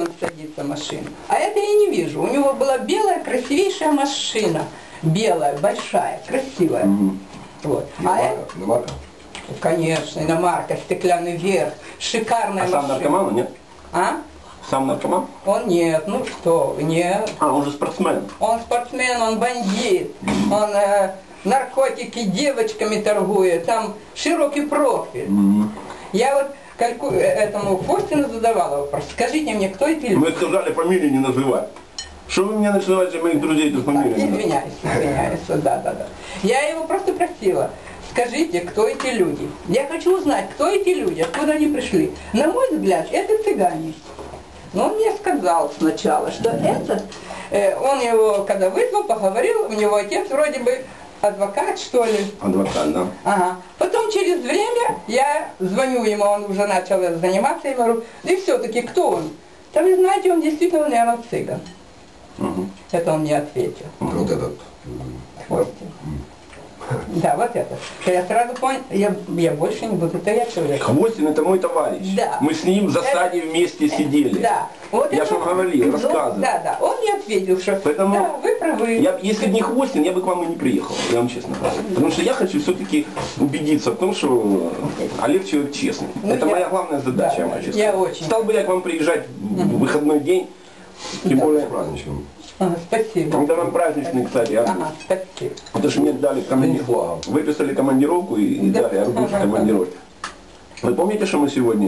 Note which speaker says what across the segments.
Speaker 1: он садится машина. А это я не вижу. У него была белая, красивейшая машина. Белая, большая, красивая. Вот.
Speaker 2: Иномарка?
Speaker 1: Конечно, иномарка, стеклянный верх, шикарная машина.
Speaker 2: А сам наркоман, нет?
Speaker 1: А?
Speaker 2: Сам наркоман?
Speaker 1: Он нет, ну что, нет.
Speaker 2: А, он же спортсмен.
Speaker 1: Он спортсмен, он бандит, он наркотики девочками торгует, там широкий профиль. Я вот этому Костину задавала вопрос, скажите мне, кто эти люди?
Speaker 2: Мы сказали фамилии не называть. Что вы меня называете моих друзей, эту фамилию?
Speaker 1: Извиняюсь, да. Я его просто просила, скажите, кто эти люди? Я хочу узнать, кто эти люди, откуда они пришли. На мой взгляд, это цыгане. Но он мне сказал сначала, что этот, он его, когда вызвал, поговорил, у него отец вроде бы адвокат, что ли.
Speaker 2: Адвокат, да.
Speaker 1: Ага. Потом через время я звоню ему, он уже начал заниматься, я говорю, да и все-таки кто он? Да вы знаете, он действительно, наверное, цыган. Это он мне ответил.
Speaker 2: Вот этот.
Speaker 1: Костя. Да, вот это. Я сразу понял, я больше не буду, это я человек.
Speaker 2: Хвостин это мой товарищ.
Speaker 1: Да.
Speaker 2: Мы с ним в засаде вместе сидели.
Speaker 1: Да. Вот
Speaker 2: я же вам говорил, рассказывал.
Speaker 1: Да. Он мне ответил, что
Speaker 2: поэтому
Speaker 1: да, вы правы.
Speaker 2: Если бы не Хвостин, я бы к вам и не приехал, я вам честно говорю. Потому что я хочу все-таки убедиться в том, что Олег человек честный.
Speaker 1: Ну,
Speaker 2: это моя главная задача, я вам честно.
Speaker 1: Я очень.
Speaker 2: Стал бы я к вам приезжать в выходной день, тем более
Speaker 3: праздничным.
Speaker 1: Спасибо.
Speaker 2: Когда нам праздничный, кстати,
Speaker 1: спасибо.
Speaker 2: Потому что мне дали командировку, выписали командировку и дали арбуз командировки. Вы помните, что мы сегодня?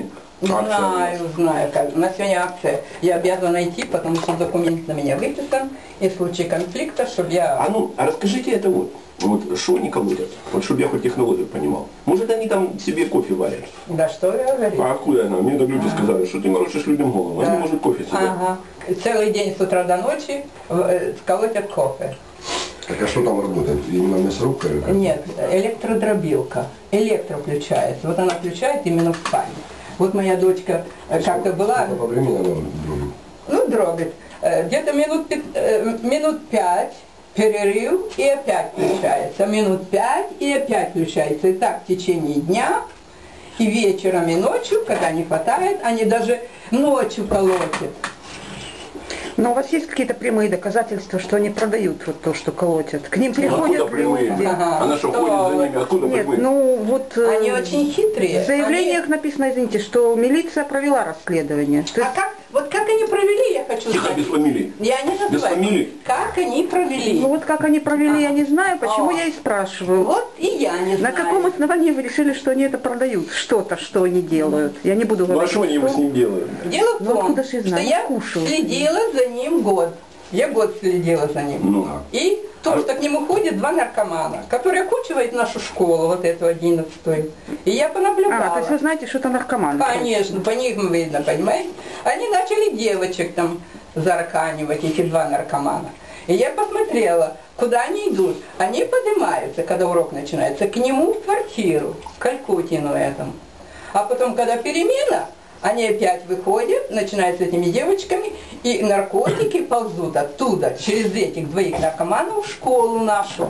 Speaker 1: Знаю, как. На сегодня акция. Я обязана идти, потому что документ на меня выписан, и в случае конфликта, чтобы я...
Speaker 2: А расскажите это вот что они колотят? Вот чтобы я хоть технологию понимал. Может они там себе кофе варят?
Speaker 1: Да что я говорю?
Speaker 2: А откуда она? Мне так люди сказали, что ты морочишь людям голову. Они может кофе себе.
Speaker 1: Ага. Целый день с утра до ночи колотят кофе.
Speaker 3: Так а что там работает? Именно мясорубка?
Speaker 1: Нет, электродробилка. Электро включается. Вот она включает именно в спальне. Вот моя дочка как-то была...
Speaker 3: По времени она дробит?
Speaker 1: Ну, дробит. Где-то минут 5 перерыв и опять включается. Минут 5 и опять включается. И так в течение дня, и вечером, и ночью, когда не хватает, они даже ночью колотят.
Speaker 4: Но у вас есть какие-то прямые доказательства, что они продают вот то, что колотят? К ним приходят
Speaker 2: откуда прямые?
Speaker 4: люди.
Speaker 2: Она что, ходит за ними? Откуда
Speaker 4: Нет,
Speaker 2: прямые?
Speaker 4: ну вот
Speaker 1: Они очень хитрые.
Speaker 4: в заявлениях написано, извините, что милиция провела расследование. То есть,
Speaker 1: как они провели, я хочу
Speaker 2: Тихо,
Speaker 1: знать.
Speaker 2: без фамилии.
Speaker 1: Я не называю.
Speaker 2: Без фамилии.
Speaker 1: Как они провели.
Speaker 4: ну вот как они провели, я не знаю, почему я и спрашиваю.
Speaker 1: Вот и я не знаю.
Speaker 4: На каком основании вы решили, что они это продают? Что-то, что они делают? Я не буду
Speaker 2: Ну а
Speaker 4: говорить.
Speaker 2: что они его с ним делают?
Speaker 1: Дело в
Speaker 4: Ну,
Speaker 1: том,
Speaker 4: откуда ж я
Speaker 1: что
Speaker 4: знаю?
Speaker 1: я
Speaker 4: Кушаю.
Speaker 1: следила за ним год. Я год следила за ним.
Speaker 2: Ну.
Speaker 1: И то, что к нему ходят два наркомана, которые окучивают нашу школу, вот эту 11-ю. И я понаблюдала.
Speaker 4: То есть вы знаете, что это наркоманы?
Speaker 1: Конечно, по ним видно, понимаете? Они начали девочек там зарканивать, эти два наркомана. И я посмотрела, куда они идут. Они поднимаются, когда урок начинается, к нему в квартиру, к Калькутину этому. А потом, когда перемена, они опять выходят, начинают с этими девочками, и наркотики ползут оттуда, через этих двоих наркоманов в школу нашу.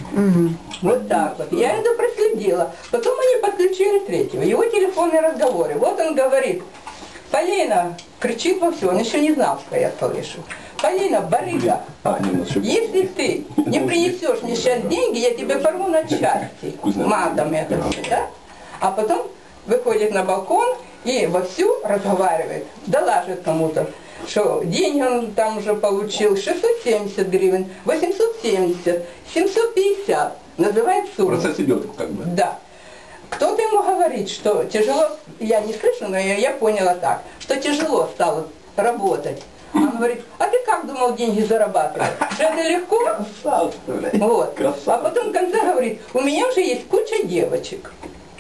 Speaker 1: Вот так вот. Я это проследила. Потом они подключили третьего. Его телефонные разговоры. Вот он говорит, Полина, кричит во все, он еще не знал, что я слышу. Полина, барыга, если ты не принесешь мне сейчас деньги, я тебе порву на части. Матом это все, да? А потом выходит на балкон и вовсю разговаривает, доложит кому-то, что деньги он там уже получил 670 гривен, 870, 750, называет сумму.
Speaker 2: Процесс идет как бы.
Speaker 1: Да. Кто-то ему говорит, что тяжело, я не слышу, но я поняла так, что тяжело стало работать. Он говорит, а ты как думал деньги зарабатывать? Что это легко? Вот. А потом в конце говорит, у меня уже есть куча девочек.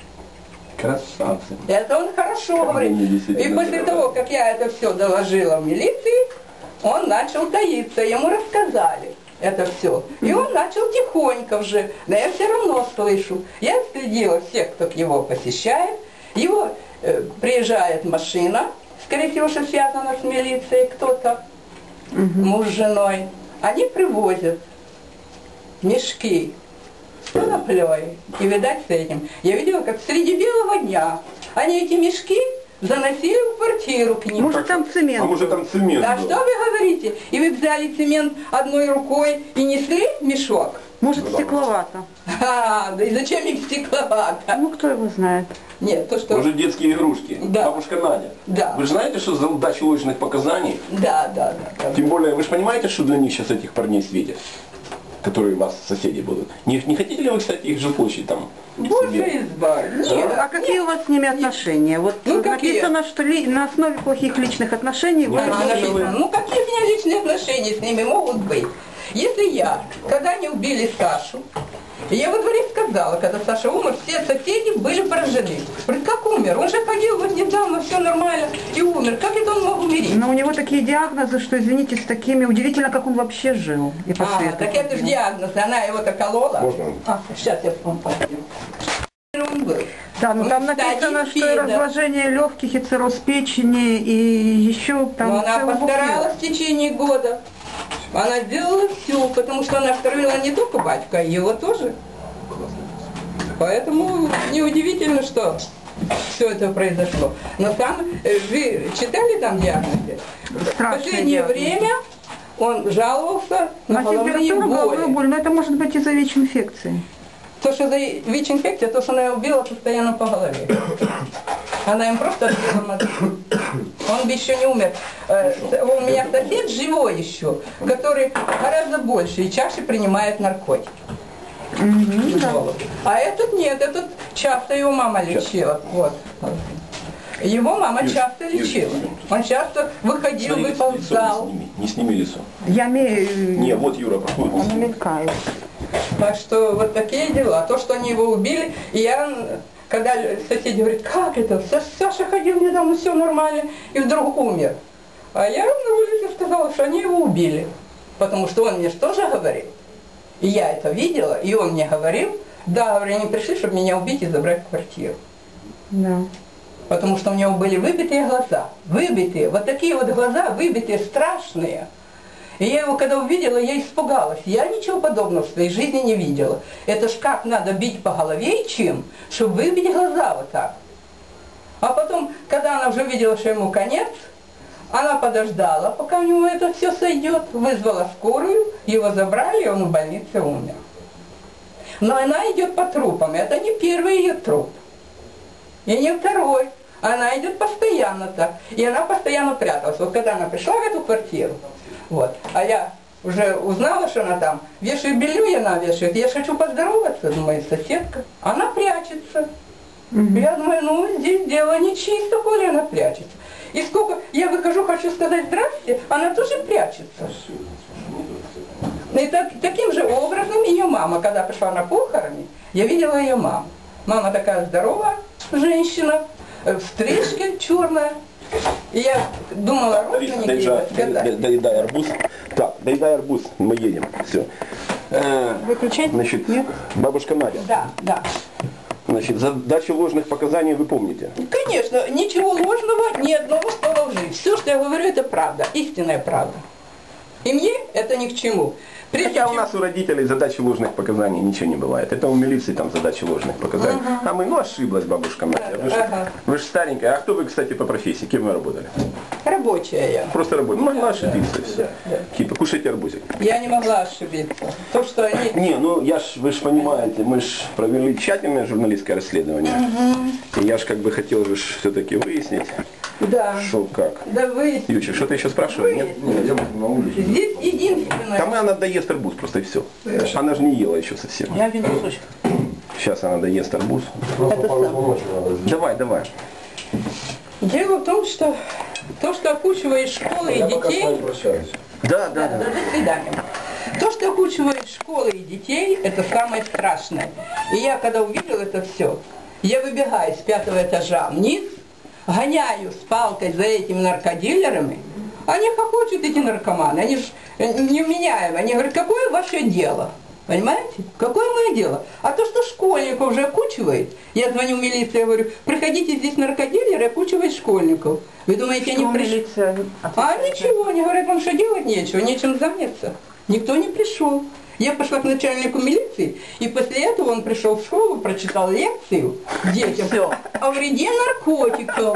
Speaker 2: Красавцы.
Speaker 1: Это он хорошо говорит. И после того, как я это все доложила в милиции, он начал таиться, ему рассказали это все. И он начал тихонько уже, да я все равно слышу. Я следила всех, кто его посещает. Его приезжает машина, скорее всего, что связано с милицией кто-то, муж с женой. Они привозят мешки с коноплей. И видать с этим. Я видела, как среди белого дня они эти мешки заносили в квартиру к ним.
Speaker 4: Может там цемент?
Speaker 2: А может там цемент
Speaker 1: Да
Speaker 2: был?
Speaker 1: что вы говорите? И вы взяли цемент одной рукой и несли в мешок?
Speaker 4: Может стекловато?
Speaker 1: Да и зачем им стекловато?
Speaker 4: Ну кто его знает?
Speaker 1: Нет, то что...
Speaker 2: Может детские игрушки?
Speaker 1: Да.
Speaker 2: Бабушка Надя?
Speaker 1: Да.
Speaker 2: Вы же знаете, что за дачу ложных показаний?
Speaker 1: Да.
Speaker 2: Тем более, вы же понимаете, что для них сейчас этих парней светит? Которые у вас соседи будут. Не хотите ли вы, кстати, их жилплощадь там?
Speaker 1: Боже
Speaker 2: себе?
Speaker 1: избавь. Нет,
Speaker 4: А какие у вас с ними отношения? Вот
Speaker 1: Ну, какие?
Speaker 4: написано, что на основе плохих личных отношений вы...
Speaker 1: Она написана. Ну какие у меня личные отношения с ними могут быть? Если я, когда они убили Сашу, я во дворе сказала, когда Саша умер, все соседи были поражены. Говорит, как умер? Он же ходил вот недавно, все нормально, и умер. Как это он мог умереть?
Speaker 4: Но у него такие диагнозы, что, извините, с такими... Удивительно, как он вообще жил. И по свету
Speaker 1: Так это же
Speaker 4: ходил.
Speaker 1: диагноз, она его-то колола.
Speaker 3: Можно?
Speaker 1: Сейчас я вам пойду. Он был.
Speaker 4: Да, но там
Speaker 1: Он
Speaker 4: написано,
Speaker 1: стадий
Speaker 4: что и
Speaker 1: СПИДа.
Speaker 4: разложение легких, и цирроз печени, и еще там...
Speaker 1: Но она
Speaker 4: целый букет.
Speaker 1: постаралась в течение года. Она сделала все, потому что она втравила не только батька, а его тоже. Поэтому неудивительно, что все это произошло. Но там, вы читали там диагнозы? В
Speaker 4: Страшные
Speaker 1: последнее
Speaker 4: диагнозы.
Speaker 1: время он жаловался на
Speaker 4: На
Speaker 1: головные
Speaker 4: температуру, головную
Speaker 1: боли.
Speaker 4: боль, но это может быть из-за ВИЧ-инфекции.
Speaker 1: То, что за ВИЧ-инфекция, то, что она его била постоянно по голове. Она им просто отбила мозги. Он бы еще не умер. У меня сосед живой еще, который гораздо больше и чаще принимает наркотики. А этот нет, этот часто его мама лечила. Вот. Его мама часто лечила. Он часто выходил,
Speaker 2: Смотри,
Speaker 1: выползал.
Speaker 2: лицо не сними лицо.
Speaker 4: Я имею...
Speaker 2: Не, вот Юра проходит.
Speaker 4: Он мелькает.
Speaker 1: Так что вот такие дела. То, что они его убили, и я, когда соседи говорят, как это? Саша ходил недавно, все нормально, и вдруг умер. А я на улице сказала, что они его убили. Потому что он мне же тоже говорил. И я это видела, и он мне говорил, да, говорю, они пришли, чтобы меня убить и забрать квартиру.
Speaker 4: Да.
Speaker 1: Потому что у него были выбитые глаза. Выбитые, вот такие вот глаза, выбитые, страшные. И я его когда увидела, я испугалась. Я ничего подобного в своей жизни не видела. Это ж как надо бить по голове и чем, чтобы выбить глаза вот так. А потом, когда она уже видела, что ему конец, она подождала, пока у него это все сойдет, вызвала скорую, его забрали, и он в больнице умер. Но она идет по трупам, это не первый ее труп. И не второй. Она идет постоянно так. И она постоянно пряталась. Вот когда она пришла в эту квартиру, вот, а я уже узнала, что она там, вешает белье, и она вешает. Я же хочу поздороваться, думаю, соседка. Она прячется. Я думаю, ну здесь дело нечисто, коли она прячется. И сколько я выхожу, хочу сказать здрасте, она тоже прячется. И таким же образом ее мама, когда пришла на похороны, я видела ее маму. Мама такая здоровая женщина, в стрижке черная. И я думала, родственники ее сказать.
Speaker 2: Доедай арбуз. Так, доедай арбуз, мы едем. Все.
Speaker 4: Выключать?
Speaker 2: Значит,
Speaker 4: Нет?
Speaker 2: бабушка Надя.
Speaker 1: Да.
Speaker 2: Значит, за дачу ложных показаний вы помните?
Speaker 1: Конечно, ничего ложного, ни одного слова лжи. Все, что я говорю, это правда, истинная правда. И мне это ни к чему. Прежде
Speaker 2: Хотя у
Speaker 1: чем-
Speaker 2: нас у родителей задачи ложных показаний ничего не бывает. Это у милиции там задачи ложных показаний. А мы, ну ошиблась бабушка Надя. Вы же старенькая. А кто вы, кстати, по профессии? Кем вы работали?
Speaker 1: Рабочая я.
Speaker 2: Просто работали. Ну, могла ошибиться и все. Типа, кушайте арбузик.
Speaker 1: Я не могла ошибиться. То, что они...
Speaker 2: Не, ну вы же понимаете, мы же провели тщательное журналистское расследование. И я же как бы хотел же все-таки выяснить,
Speaker 1: Да.
Speaker 2: что как.
Speaker 1: Да вы...
Speaker 2: Ючик, что ты еще спрашиваешь? Нет?
Speaker 3: Нет, я на улице.
Speaker 1: Здесь единственное...
Speaker 2: Там она доест арбуз просто и все. Она же не ела еще совсем.
Speaker 1: Я вижу, слушай.
Speaker 2: Сейчас она доест арбуз.
Speaker 3: Просто
Speaker 1: Это
Speaker 3: пару
Speaker 1: сам.
Speaker 3: звоночек надо сделать.
Speaker 2: Давай.
Speaker 1: Дело в том, что то, что окучивает школы и
Speaker 3: Я пока с
Speaker 1: детей...
Speaker 3: вами прощаюсь.
Speaker 2: Да.
Speaker 1: До свидания. То, что окучивает школы и детей, это самое страшное. И я, когда увидела это все, я выбегаю с 5-го этажа вниз, гоняю с палкой за этими наркодилерами. Они хохочут, эти наркоманы, они же невменяемые. Они говорят, какое ваше дело? Понимаете? Какое мое дело? А то, что школьников уже окучивает, я звоню в милицию, я говорю, приходите, здесь наркодилеры окучивают школьников. Вы думаете, они пришли? А ничего, они говорят, вам что делать нечего, нечем заняться. Никто не пришел. Я пошла к начальнику милиции, и после этого он пришел в школу, прочитал лекцию детям о вреде наркотиков.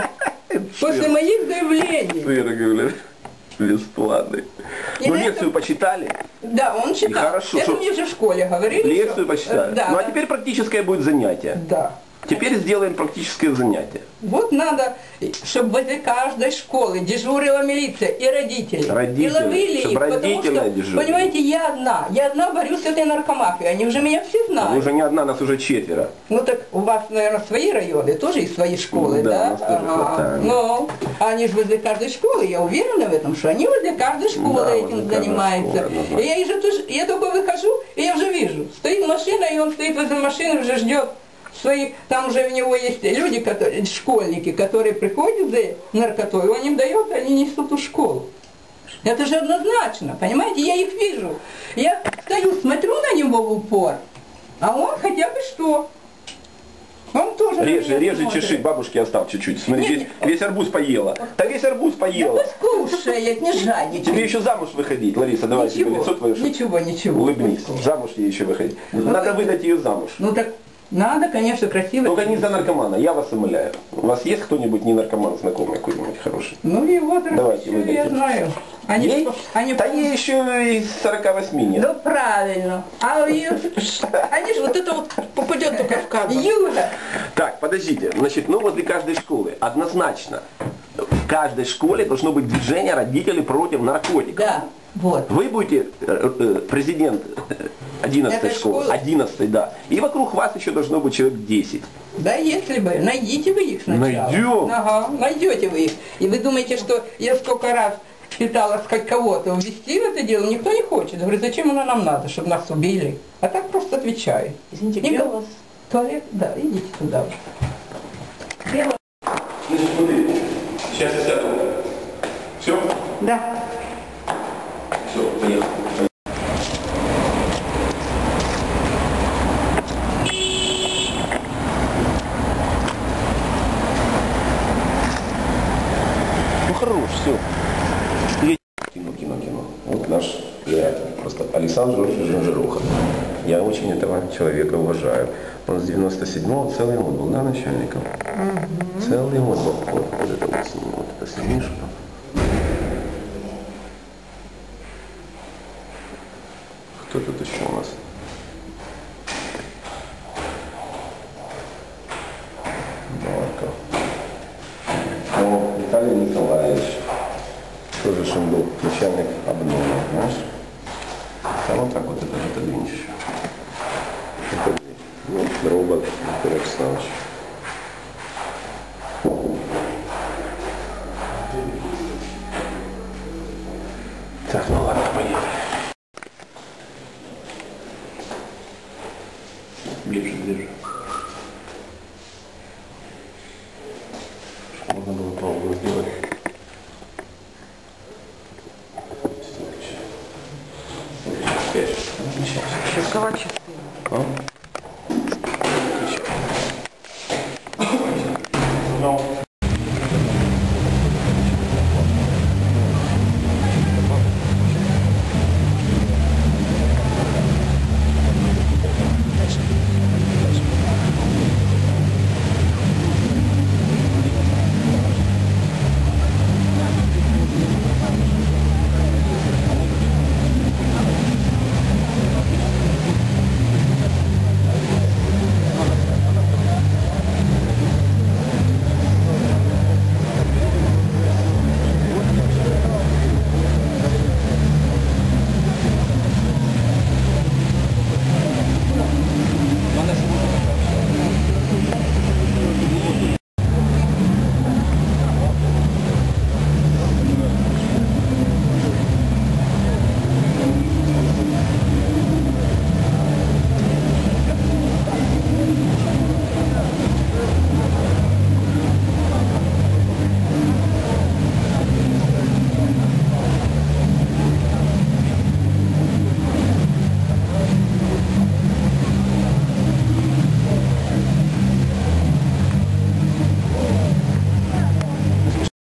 Speaker 1: После моих заявлений.
Speaker 2: Сыр, говорят, бесплатный.
Speaker 1: И
Speaker 2: Ну,
Speaker 1: на
Speaker 2: лекцию
Speaker 1: этом-
Speaker 2: почитали,
Speaker 1: Да, он читал.
Speaker 2: хорошо,
Speaker 1: Это
Speaker 2: что-
Speaker 1: мне уже в школе говорили.
Speaker 2: лекцию
Speaker 1: что-
Speaker 2: почитали.
Speaker 1: Да.
Speaker 2: Ну, а теперь практическое будет занятие.
Speaker 1: Да.
Speaker 2: Теперь сделаем практическое занятие.
Speaker 1: Вот надо, чтобы возле каждой школы дежурила милиция и родители.
Speaker 2: Родители,
Speaker 1: И ловили
Speaker 2: чтоб
Speaker 1: их, потому
Speaker 2: родители
Speaker 1: что,
Speaker 2: дежурили.
Speaker 1: понимаете, я одна борюсь с этой наркомафией. Они уже меня все
Speaker 2: А
Speaker 1: знают.
Speaker 2: вы уже не одна, нас уже 4.
Speaker 1: Ну так у вас, наверное, свои районы, тоже и свои школы,
Speaker 2: Да,
Speaker 1: да?
Speaker 2: у нас тоже хватает.
Speaker 1: Ну, они же возле каждой школы, я уверена в этом, что они возле каждой школы
Speaker 2: Да,
Speaker 1: этим
Speaker 2: возле каждой
Speaker 1: занимаются.
Speaker 2: школы, однозначно.
Speaker 1: И я только выхожу, и я уже вижу, стоит машина, и он стоит возле машины, уже ждет свои, там уже у него есть люди, которые, школьники, которые приходят за наркотой, он им дает, они несут в школу. Это же однозначно, понимаете, я их вижу. Я стою, смотрю на него в упор, а он хотя бы что? Он тоже на
Speaker 2: Реже,
Speaker 1: меня
Speaker 2: реже
Speaker 1: смотрит.
Speaker 2: чеши, бабушке оставь чуть-чуть. Смотри,
Speaker 1: Нет,
Speaker 2: весь, весь арбуз поела. Да весь арбуз
Speaker 1: Да
Speaker 2: поела.
Speaker 1: послушай, не жадничай.
Speaker 2: Тебе еще замуж выходить, Лариса, давай тебе
Speaker 1: Ничего,
Speaker 2: лицо твое.
Speaker 1: ничего.
Speaker 2: Улыбнись. Замуж ей еще выходить. Надо выдать ее замуж.
Speaker 1: Ну так надо, конечно, красиво.
Speaker 2: Только не за наркомана, я вас умоляю. У вас есть кто-нибудь не наркоман знакомый какой-нибудь хороший?
Speaker 1: Ну и вот,
Speaker 2: Давайте,
Speaker 1: я
Speaker 2: выдайте.
Speaker 1: знаю. Они,
Speaker 2: Ей?
Speaker 1: они,
Speaker 2: Да ей еще из 48 нет.
Speaker 1: Ну правильно. А они же вот это вот попадет только в кадр. Юля.
Speaker 2: Так, подождите. Значит, ну возле каждой школы однозначно в каждой школе должно быть движение родителей против наркотиков.
Speaker 1: Да, вот.
Speaker 2: Вы будете президент 11
Speaker 1: Этой
Speaker 2: школы,
Speaker 1: школы?
Speaker 2: 11, да. И вокруг вас еще должно быть человек 10.
Speaker 1: Да если бы, найдите вы их сначала.
Speaker 2: Найдем.
Speaker 1: Ага, найдете вы их. И вы думаете, что я сколько раз пыталась хоть кого-то увести в это дело, никто не хочет. Говорю, зачем оно нам надо, чтобы нас убили? А так просто отвечаю.
Speaker 5: Извините,
Speaker 1: Не
Speaker 5: где
Speaker 1: го-
Speaker 5: у вас?
Speaker 1: Туалет? Да, идите туда.
Speaker 2: Значит, смотрите, сейчас я сяду. Все?
Speaker 1: Да.
Speaker 2: Все, поехали. Ну хорош, все. Кино. Вот наш приятель, просто Александр Жоржевич Жируха. Я очень этого человека уважаю. Он с 97-го целый год был, да, начальником? Целый год был. Вот это вот с ним, вот это сидишь. Кто тут еще у нас? Марков. О, Виталий Николаевич. Тоже же он был начальник обнова, знаешь? А вот так вот это отодвинешь. Вот робот Виктор Александрович. Так, ну ладно, поехали. Ближе. Можно было пробовать сделать.
Speaker 4: Какова частина?
Speaker 2: А?